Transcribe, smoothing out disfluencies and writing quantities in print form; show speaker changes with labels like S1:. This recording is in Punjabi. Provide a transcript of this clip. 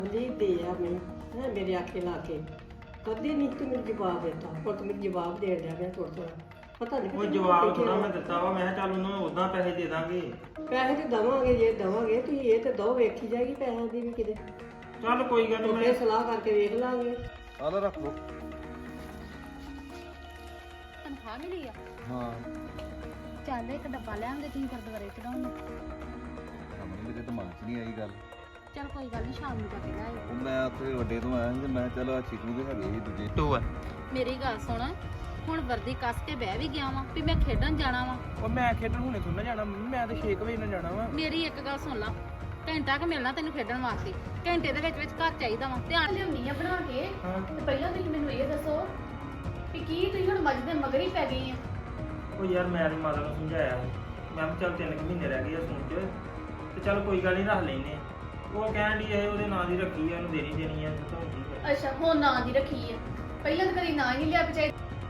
S1: जी दिया मैं है मेरे आखे ला के कभी नहीं तू मेरे जवाब देता और तू मेरे जवाब दे दिया मैं थोड़ा थोड़ा पता नहीं
S2: ਉਹ ਜਵਾਬ ਥੋੜਾ ਮੈਂ ਦਿੱਤਾ ਵਾ ਮੈਂ ਕਿਹਾ ਚੱਲ ਉਹਨੂੰ ਉਦਾਂ ਪੈਸੇ ਦੇ ਦਾਂਗੇ
S1: ਪੈਸੇ ਤੇ ਦਵਾਂਗੇ ਜੇ ਦਵਾਂਗੇ ਤੁਸੀਂ ਇਹ ਤੇ ਦੋ ਵੇਖੀ ਜਾਏਗੀ ਪੈਸਿਆਂ ਦੀ ਵੀ ਕਿਤੇ
S2: ਚੱਲ ਕੋਈ ਗੱਲ ਨਹੀਂ
S1: ਮੈਂ
S2: ਮੈਂ
S1: ਸਲਾਹ ਕਰਕੇ ਵੇਖ ਲਾਂਗੇ
S3: ਆਲਾ ਰੱਖ ਲੋ।
S4: ਤਨਖਾਹ ਮਿਲੀ ਆ
S3: ਹਾਂ
S4: ਚੱਲ ਇੱਕ ਡੱਬਾ ਲਿਆਂਗੇ ਤੁਸੀਂ ਗੁਰਦੁਆਰੇ ਚੜਾਉਣ ਨੂੰ
S3: ਸਾਹਮਣੇ ਮੇਰੇ ਦਿਮਾਗ 'ਚ ਨਹੀਂ ਆਈ ਗੱਲ।
S4: ਚੱਲ ਕੋਈ ਗੱਲ ਨਹੀਂ ਸ਼ਾਮ ਨੂੰ ਜਾ ਕੇ ਲਿਆਇਓ
S3: ਉਹ ਮੈਂ ਉੱਥੇ ਵੱਡੇ ਤੋਂ ਆਇਆ ਸੀ ਤੇ ਮੈਂ ਕਿਹਾ ਚਲੋ ਆ ਚਿਕੂ ਦੇ ਹੈਗੇ ਸੀ ਦੂਜੇ।
S2: 2 ਆ
S4: ਮੇਰੀ ਗੱਲ ਸੁਣ ਹੁਣ ਵਰਦੀ ਕੱਸ ਕੇ ਬਹਿ ਵੀ ਗਿਆ ਵਾਂ ਵੀ ਮੈਂ ਖੇਡਣ ਜਾਣਾ ਵਾਂ
S5: ਉਹ ਮੈਂ ਖੇਡਣ ਹੁਣੇ ਥੋੜਾ ਜਾਣਾ ਮੰਮੀ ਮੈਂ ਤਾਂ 6 ਵਜੇ ਨਾਲ ਜਾਣਾ ਵਾ
S4: ਮੇਰੀ ਇੱਕ ਗੱਲ ਸੁਣ ਲਾ ਘੰਟਾ ਕੁ ਮਿਲਣਾ ਤੈਨੂੰ ਖੇਡਣ ਵਾਸਤੇ ਘੰਟੇ ਦੇ ਵਿੱਚ ਘਰ ਚਾਹੀਦਾ ਵਾ ਧਿਆਨ
S6: ਲਿਆਉਣੀ ਆ ਬਣਾ ਕੇ
S2: ਹਾਂ
S6: ਤੇ ਪਹਿਲਾਂ ਤੁਸੀਂ ਮੈਨੂੰ ਇਹ ਦੱਸੋ ਕਿ ਕੀ ਤੁਸੀਂ ਹੁਣ ਮੱਝ ਦੇ ਮਗਰ ਹੀ ਪੈ ਗਏ ਆ
S2: ਉਹ ਯਾਰ ਮੈਂ ਤੇ ਮਾਤਾ ਨੂੰ ਸਮਝਾਇਆ ਸੀ। ਮੈਂ ਕਿਹਾ ਚੱਲ 3 ਮਹੀਨੇ ਰਹਿ ਗਏ ਆ ਸੂਣ ਚ ਤੇ ਚੱਲ ਕੋਈ ਗੱਲ ਨਹੀਂ ਰੱਖ ਲੈਨੇ ਆ। ਉਹ ਕਹਿਣ ਦੀ ਇਹ ਉਹਦੇ ਨਾਂ ਦੀ ਰੱਖੀ ਆ ਉਹਨੂੰ ਦੇਣੀ ਦੇਣੀ ਆ ਤਾਂ ਠੀਕ ਹੈ।
S6: ਅੱਛਾ ਹੁਣ ਨਾਂ ਦੀ ਰੱਖੀ ਆ ਪਹਿਲਾਂ ਤਾਂ ਕਦੀ ਨਾਂ ਹੀ ਨਹੀਂ ਲਿਆ ਪਚਾਈ